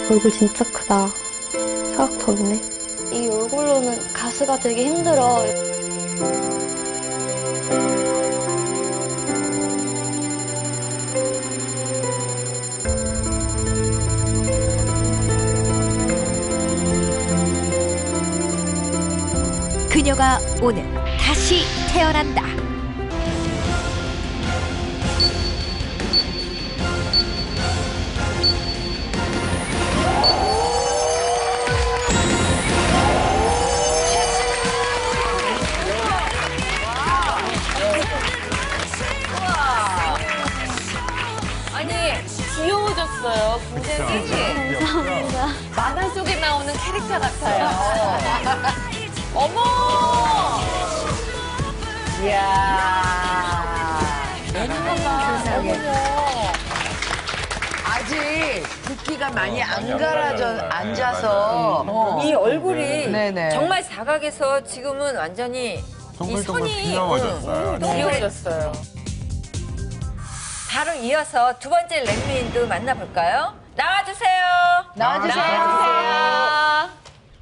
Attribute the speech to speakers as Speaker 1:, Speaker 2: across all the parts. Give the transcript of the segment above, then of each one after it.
Speaker 1: 얼굴 진짜 크다. 사각턱이네.
Speaker 2: 이 얼굴로는 가수가 되기 힘들어.
Speaker 3: 그녀가 오늘 다시 태어난다.
Speaker 4: 아니 귀여워졌어요. 굉장히
Speaker 2: 감사합니다.
Speaker 4: 만화 속에 나오는 캐릭터 같아요. 어머! 이야.
Speaker 5: 세상에. 아직 붓기가 많이 안 가라져 앉아서
Speaker 4: 이 얼굴이
Speaker 5: 네네.
Speaker 4: 정말 사각에서 지금은 완전히 이 선이
Speaker 6: 귀여워졌어요. 네.
Speaker 4: 귀여워졌어요. 바로 이어서 두 번째 랭미인도 만나볼까요? 나와주세요. 나와주세요.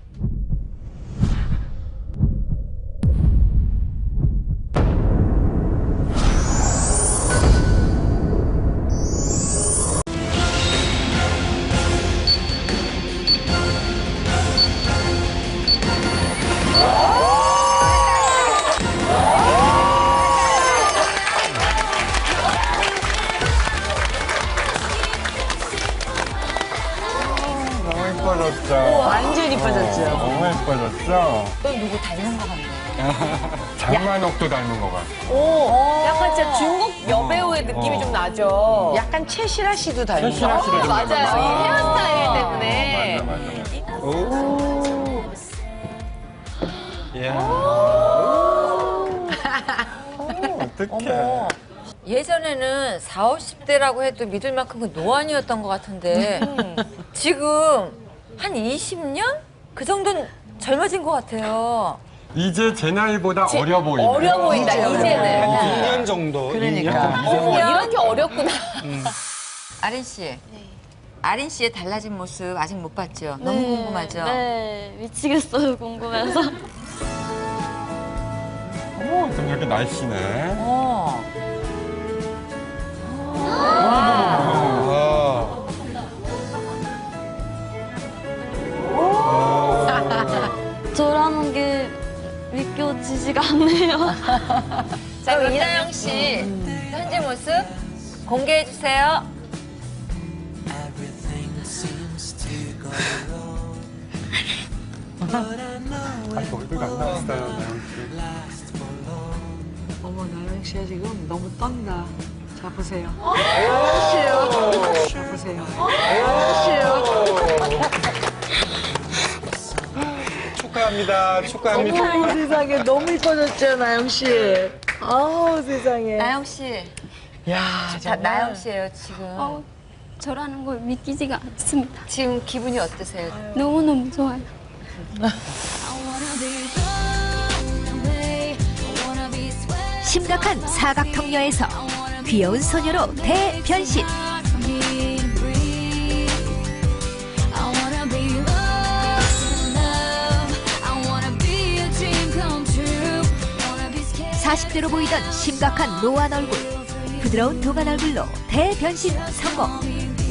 Speaker 6: 너무 예뻐졌죠?
Speaker 5: 완전 이뻐졌죠.
Speaker 6: 너무 예뻐졌죠?
Speaker 4: 또 누구 닮은 것 같네.
Speaker 6: 장만옥도 닮은 것 같아.
Speaker 4: 약간 진짜 중국 여배우의 느낌이 좀 나죠.
Speaker 5: 약간 최시라 씨도 닮은
Speaker 6: 최시라
Speaker 5: 거.
Speaker 6: 씨도 좀
Speaker 4: 맞아요.
Speaker 6: 닮았어.
Speaker 4: 이 헤어스타일 때문에.
Speaker 6: 맞아. 이야. 어떡해.
Speaker 4: 예전에는 40, 50대라고 해도 믿을 만큼 그 노안이었던 것 같은데 지금 한 20년? 그 정도는 젊어진 것 같아요.
Speaker 6: 이제 제 나이보다 어려 보이네.
Speaker 4: 어려 보인다, 이제는.
Speaker 7: 2년 정도.
Speaker 5: 그러니까.
Speaker 4: 어머, 이렇게 어렵구나. 아린 씨. 아린 씨의 달라진 모습 아직 못 봤죠? 너무 궁금하죠?
Speaker 2: 네, 미치겠어요, 궁금해서.
Speaker 6: 어머, 좀 이렇게 날씬해.
Speaker 4: 어.
Speaker 2: 저라는 게 믿겨지지가 않네요.
Speaker 4: 자, 그럼 이나영 씨 현재 모습 공개해 주세요.
Speaker 6: 아직 얼굴 안 나왔어요, 나영 씨.
Speaker 5: 어머, 나영 씨가 지금 너무 떤다. 자, 보세요. 나영 씨요. 자, 보세요. 나영 씨요.
Speaker 7: 축하합니다.
Speaker 5: 어머, 세상에 너무 이뻐졌죠, 나영 씨. 아우, 세상에.
Speaker 4: 나영 씨.
Speaker 5: 야,
Speaker 4: 자, 나영 씨예요, 지금.
Speaker 2: 저라는 걸 믿기지가 않습니다.
Speaker 4: 지금 기분이 어떠세요?
Speaker 2: 너무너무 좋아요.
Speaker 3: 심각한 사각턱녀에서 귀여운 소녀로 대변신. 사십 대로 보이던 심각한 노안 얼굴, 부드러운 동안 얼굴로 대변신 성공.